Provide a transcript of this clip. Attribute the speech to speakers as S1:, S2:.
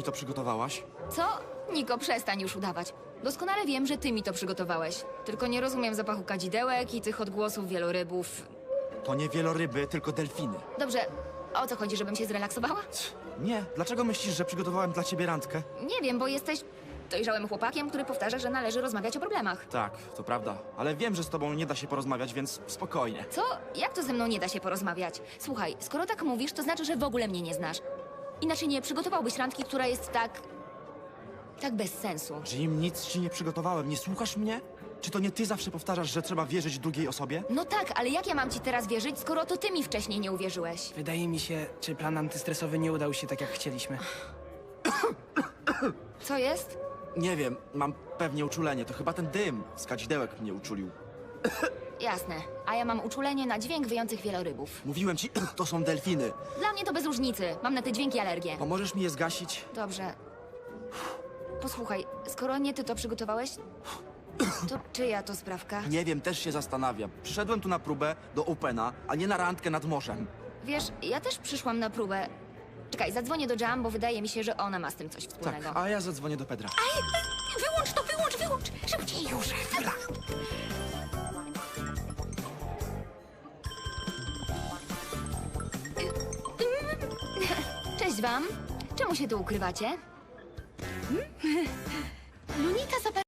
S1: to przygotowałaś?
S2: Co? Niko, przestań już udawać. Doskonale wiem, że ty mi to przygotowałeś. Tylko nie rozumiem zapachu kadzidełek i tych odgłosów wielorybów.
S1: To nie wieloryby, tylko delfiny.
S2: Dobrze, o co chodzi, żebym się zrelaksowała?
S1: Nie, dlaczego myślisz, że przygotowałem dla ciebie randkę?
S2: Nie wiem, bo jesteś dojrzałym chłopakiem, który powtarza, że należy rozmawiać o problemach.
S1: Tak, to prawda, ale wiem, że z tobą nie da się porozmawiać, więc spokojnie.
S2: Co? Jak to ze mną nie da się porozmawiać? Słuchaj, skoro tak mówisz, to znaczy, że w ogóle mnie nie znasz. Inaczej nie przygotowałbyś randki, która jest tak bez sensu.
S1: Jim, nic ci nie przygotowałem, nie słuchasz mnie? Czy to nie ty zawsze powtarzasz, że trzeba wierzyć drugiej osobie?
S2: No tak, ale jak ja mam ci teraz wierzyć, skoro to ty mi wcześniej nie uwierzyłeś?
S3: Wydaje mi się, czy plan antystresowy nie udał się tak, jak chcieliśmy.
S2: Co jest?
S1: Nie wiem, mam pewnie uczulenie, to chyba ten dym z kadzidełek mnie uczulił.
S2: Jasne, a ja mam uczulenie na dźwięk wyjących wielorybów.
S1: Mówiłem ci, to są delfiny.
S2: Dla mnie to bez różnicy, mam na te dźwięki alergię.
S1: Pomożesz mi je zgasić?
S2: Dobrze. Posłuchaj, skoro nie ty to przygotowałeś, to czyja to sprawka?
S1: Nie wiem, też się zastanawiam. Przyszedłem tu na próbę do Opena, a nie na randkę nad morzem.
S2: Wiesz, ja też przyszłam na próbę. Czekaj, zadzwonię do Jam, bo wydaje mi się, że ona ma z tym coś
S1: Tak,
S2: wspólnego.
S1: a ja zadzwonię do Pedra.
S2: Wyłącz to, wyłącz! Szybciej już! Cześć wam. Czemu się tu ukrywacie?
S4: Lunita